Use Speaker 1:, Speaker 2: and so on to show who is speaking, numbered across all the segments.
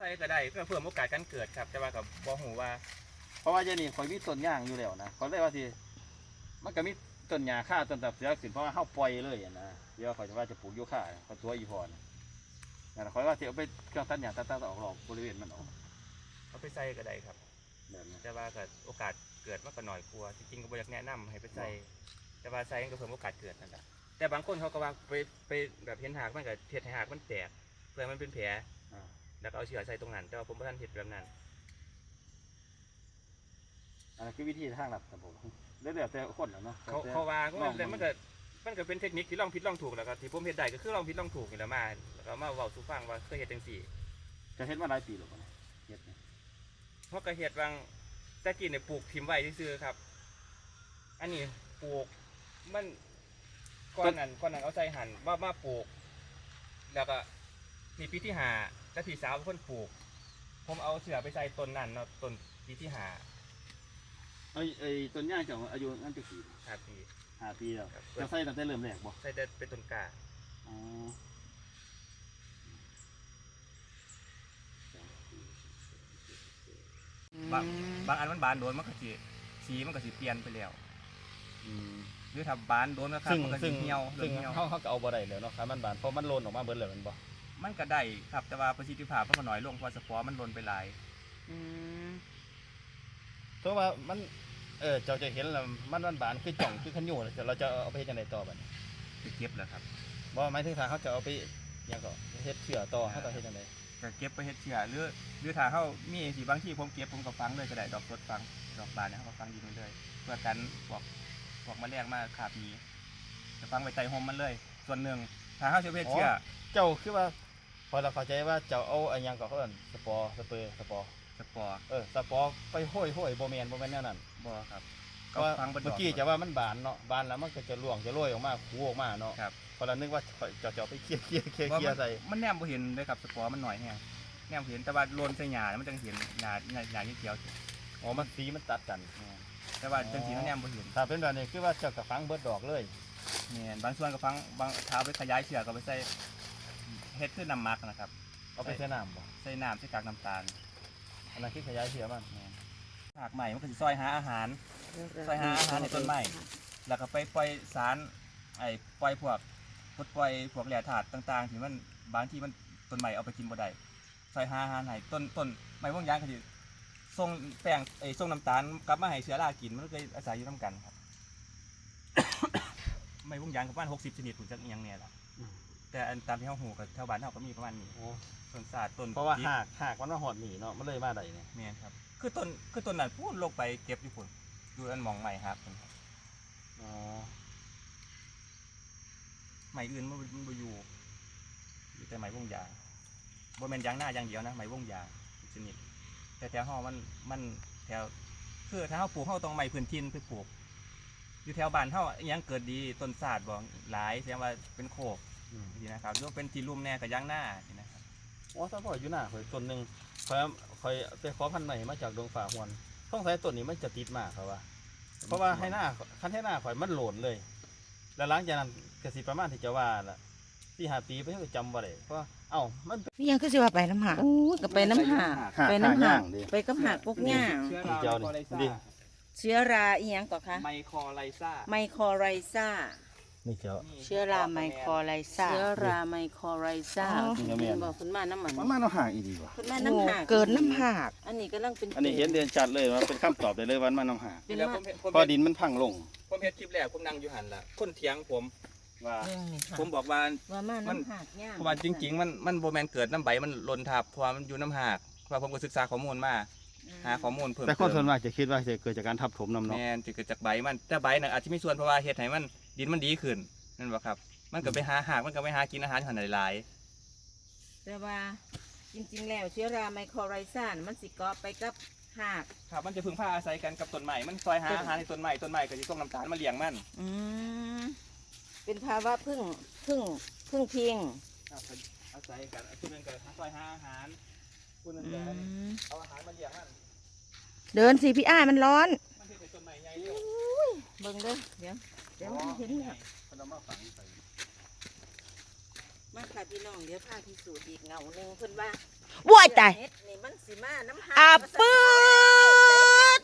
Speaker 1: ส่ก็ได้เพื่อเพิ่มโอกาสการเกิดครับแต่ว่ากับบ่ฮู้ว่า
Speaker 2: เพราะว่าเจนี่ข่อยมีต้นย่างอยู่แล้วนะเขาเลยว่าสิมันก็มีต้นหญ้าค่าต้นตับเสือสินเพราะว่าเฮาปล่อยเลยนะเดี๋ยวข่อยจะว่าจะปลูกโยคะเขาตัวอีพรนั่นข่อยว่าสิเอาไปเครื่องตัดหญ้าตัดออกหรอกบริเวณมันออก
Speaker 1: เอาไปใส่ก็ได้ครับแต่ว่าก็โอกาสเกิดมันก็น้อยกว่าจริงๆก็บ่อยากแนะนำให้ไปใส่แต่ว่าใส่ก็เพิ่มโอกาสเกิดนั่นแหละแต่บางคนเขาก็ว่าไปแบบเห็นหากมันก็เฮ็ดให้หากมันแตกเพื่อมันเป็นแผลแล้วก็เอาเชื้อใส่ตรงนั้นแต่ว่าผมบ่ทันเฮ็ดแบบนั้น
Speaker 2: อันนั้นคือวิธีทางลัดครับผมเรื่อยๆแต่คนแล้วเนาะ
Speaker 1: เขาว่ามันก็เป็นเทคนิคที่ลองผิดลองถูกแล้วก็ที่ผมเฮ็ดได้ก็คือลองผิดลองถูกนี่แหละมาแล้วก็มาเว้าสู่ฟังว่าเคยเฮ็ดจังซี่
Speaker 2: จะเฮ็ดมาหลายปีแล้วบ่เนี่ยเฮ็ดเนี่ย
Speaker 1: เพราะก็เฮ็ดบางแต่กี้เนี่ยปลูกถิ่มไว้ซื่อๆครับอันนี้ปลูกมันก่อนนั้นเอาใส่หั่นมาปลูกแล้วก็นี่ปีที่5แล้วพี่สาวเป็นคนปลูกผมเอาเสือไปใส่ต้นนั้นเนาะต้นปีที่5
Speaker 2: ไอ้ต้นย่างเจ้าอายุนั่นจักปี
Speaker 1: 5 ปี
Speaker 2: 5 ปีแล้วจะใส่ตั้งแต่เริ่มแรกบ่
Speaker 1: ใส่แต่เป็นต้นกล้า
Speaker 2: อ๋
Speaker 1: อบางอันมันบานโดนมันก็สิสีมันก็สิเปลี่ยนไปแล้วหรือถ้าบานโดนนะครับมันก็สิเหี่ยว
Speaker 2: ซึ่งเขาก็เอาบ่ได้แล้วเนาะครับมันบานเพราะมันโลนออกมาเบิดเลยมันบ่
Speaker 1: มันก็ได้ครับแต่ว่าประสิทธิภาพมันก็น้อยลงเพราะสปอร์มันโลนไปหลาย
Speaker 2: เพราะว่ามันเจ้าจะเห็นแล้วมันบานคือจ่องคือขันอยู่เราจะเอาไปเฮ็ดจังได๋ต่อบัดนี้
Speaker 1: ไปเก็บแล้วครับ
Speaker 2: บ่หมายถึงถ้าเขาจะเอาไปหยังก็เฮ็ดเชื้อต่อเขาต้องเฮ็ดจังได๋
Speaker 1: ก็เก็บไปเฮ็ดเชื้อหรือถ้าเขามีสิบางที่ผมเก็บผมก็ฟังเลยก็ได้ดอกสดฟังดอกบานเนี่ยเขาก็ฟังดีเลยเพื่อกันพวกแมลงมาขาบหนีจะฟังไว้ใต้ห่มมันเลยส่วนหนึ่งถ้าเขาจะเฮ็ดเชื้อ
Speaker 2: เจ้าคือว่าพอเราเข้าใจว่าเจ้าเอาอันยังก็เขาเอิ้นสปอร์ไปห้อยบ่แม่นแนวนั้น
Speaker 1: บ่ครับ
Speaker 2: ก็ฟังเมื่อกี้จะว่ามันบานเนาะบานแล้วมันก็จะร่วงจะโรยออกมาคูออกมาเนาะ
Speaker 1: ครับ
Speaker 2: พอเรานึกว่าจะไปเคลียร์ใส่
Speaker 1: มันแนมบ่เห็นเลยครับสปอร์มันหน่อยแฮงแนมเห็นแต่ว่าโลนใส่หญ้ามันจังเห็นหญ้าเขียว
Speaker 2: อ๋อมันสีมันตัดกัน
Speaker 1: แต่ว่าจังสีมันแนมบ่เห็น
Speaker 2: ถ้าเป็นแบบนี้คือว่าเจ้าก็ฟังเบิดดอกเลย
Speaker 1: แม่นบางส่วนก็ฟังบางเท้าไปขยายเชือกก็ไปใส่เฮ็ดคือน้ำหมักนะครับ
Speaker 2: เอาไปใส่น้ำบ่
Speaker 1: ใส่น้ำใส่กากน้ำตาล
Speaker 2: อันนั้นคือขยายเชือกมัน
Speaker 1: หากใหม่มันก็สิซอยหาอาหารในต้นไม้แล้วก็ไปปล่อยสารปล่อยพวกแร่ธาตุต่างๆที่มันบางที่มันต้นไม้เอาไปกินบ่ได้ซอยหาอาหารให้ต้นไม้พวกยางก็สิส่งแป้งส่งน้ำตาลกลับมาให้เชื้อรากินมันก็อาศัยอยู่นำกันครับ ไม้พวกยางประมาณ60ชนิดผมจักอีหยังแน่ล่ะแต่อันตามที่เฮาฮู้ก็แถวบ้านเฮาก็มีประมาณนี้ต้นศาสตร์ต้น
Speaker 2: เพราะว่าหากมันมาหอดหนีเนาะมันเลยมาได้เนี่ย
Speaker 1: แม่นครับคือต้นนั้นพูนลงไปเก็บอยู่พุ่นอยู่อันหม่องใหม่ครับ
Speaker 2: อ๋อ
Speaker 1: ใหม่อื่นมันบ่อยู่แต่ไม้วงยางบ่แม่นยางหน้าอย่างเดียวนะไม้วงยางชนิดแต่แถวเฮามันแถวคือถ้าเฮาปลูกเฮาต้องไม้พื้นถิ่นไปปลูกอยู่แถวบ้านเฮาอีหยังเกิดดีต้นศาสตร์บ่หลายแสดงว่าเป็นโคกนี่นะครับหรือเป็นที่ลุ่มแน่กับยางหน้านี่นะครับ
Speaker 2: อ๋อถ้าพ่ออยู่หน้าข่อยต้นนึงข่อยไปขอพันธุ์ใหม่มาจากดงฝ่าหวนต้องใช้ต้นนี้มันจะติดมากครับว่าเพราะว่าให้หน้าคันให้หน้าข่อยมันโหลนเลยแล้วหลังจากนั้นก็สิประมาณที่จะว่าล่ะ4-5 ปีไปก็จำบ่ได้เพราะมัน
Speaker 3: นี่ยังคือสิว่าไปน้ำหากก็ไปน้ำหากไปกับหากพวกหญ้าเชื้อราอีหยังก่อนคะ
Speaker 1: ไมโครไลซ่า
Speaker 2: นี่เจ้า
Speaker 3: เชื้อราไมโครไลซ่าบอกคุณมาน้ำมัน
Speaker 2: น้ำหากอีดีว่ะ
Speaker 3: คุณมาน้ำหากเกินน้ำหากอันนี้ก็ต้องเป็น
Speaker 2: อันนี้เห็นเด่นชัดเลยว่าเป็นคำตอบได้เลยว่ามันน้ำหากพอดินมันพังลง
Speaker 1: ผมเฮ็ดคลิปแรกผมนั่งอยู่หันละคนเถียงผมบอกว่า
Speaker 3: มันหาก
Speaker 1: เพราะว่าจริงๆมันโบแมนเกิดน้ำใบมันหล่นทับเพราะมันอยู่น้ำหากเพราะผมก็ศึกษาข้อมูลมาหาข้อมูลเพิ่ม
Speaker 2: แต่คนส่วนมากจะคิดว่าจะเกิดจากการทับถมน้ำเนาะ
Speaker 1: แม่นจะเกิดจากใบมันแต่ใบน่ะอาจจะมีส่วนเพราะว่าเฮ็ดให้มันดินมันดีขึ้นนั่นบ่ครับมันก็ไปหาหากมันก็ไปหากินอาหารหันหลาย
Speaker 3: แต่ว่าจริงๆแล้วเชื้อราไมโครไลซ่ามันสิเกาะไปกับหาก
Speaker 1: ครับมันจะพึ่งพาอาศัยกันกับต้นไม้มันซอยหาอาหารในต้นไม้ก็จะส่งน้ำตาลมาเลี้ยงมัน
Speaker 3: เป็นภาวะพึ่งพิง
Speaker 1: อาศัยกันคนนึงก็ซอยหาอาหารคนนึงก็เอาอาหารมาเลี้ยงมัน
Speaker 3: เดินสิพี่อ้ายมันร้อน
Speaker 1: มันเป็นต้นไม้ใหญ่เร็ว
Speaker 3: เบิ่งเด้อเดี๋ยวเห็นเนี่ยมาค่ะพี่น้องเดี๋ยวพาพิสูจน์อีกเงาหนึ่งเพิ่นว่าว้ายตายอาปืด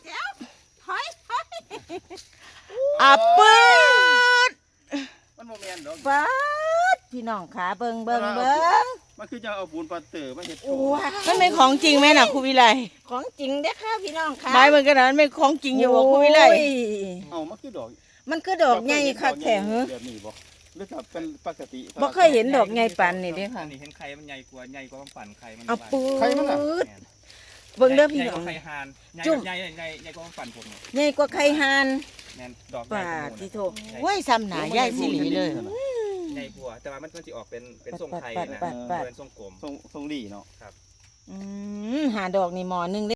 Speaker 3: อาปืด
Speaker 2: มันโมเมนต์ดอก
Speaker 3: ป๊าดพี่น้องขาเบิ่ง
Speaker 2: มันคือจะเอาปูนปลาเตอร์มาเฮ็ดโช
Speaker 3: ว้ามันเป็นของจริงไหมน่ะครูวิไล
Speaker 4: ของจริงเด้อค่ะพี่น้องค่ะ
Speaker 3: ไม้มันกระดานไม่ของจริงอยู่บ่ครูวิไล
Speaker 4: โอ้ย
Speaker 2: เอามันคือดอก
Speaker 3: มันคือดอกใหญ่คักแท้เหรอ
Speaker 2: แบบนี้บ่หรือถ้าเป็นปกติ
Speaker 3: บ่เคยเห็นดอกใหญ่ปานนี่เด้ค่ะ
Speaker 1: อันนี้เห็นไข่มันใหญ่กว่าปั่นไข่มัน
Speaker 3: เอาปื
Speaker 2: ใครมันน่ะ
Speaker 3: ดเบิ่งเด้อพี่
Speaker 1: ใหญ่
Speaker 3: น้
Speaker 1: ก
Speaker 3: อง
Speaker 1: ว่าไข่ห่านใหญ่
Speaker 3: จุ่ม
Speaker 1: ใหญ่ใหญ่ใหญ่กว่าปั่นผมเนี่ย
Speaker 3: ใหญ่กว่าไข่ห่าน
Speaker 1: แม่นดอกใหญ่
Speaker 3: ป่าก
Speaker 1: ว่าหมู่
Speaker 3: ที่
Speaker 1: น่ะ
Speaker 3: โทโว้ยซ้ำหน้ายายสิหลีเลย
Speaker 1: ใหญ่กว่าแต่ว่ามันสิออกเป็นทรงไข่นะ
Speaker 3: ปัด
Speaker 1: เป็นทรงกลม
Speaker 2: ทรงดีเนาะ
Speaker 3: หาดอกนี่หมอหนึง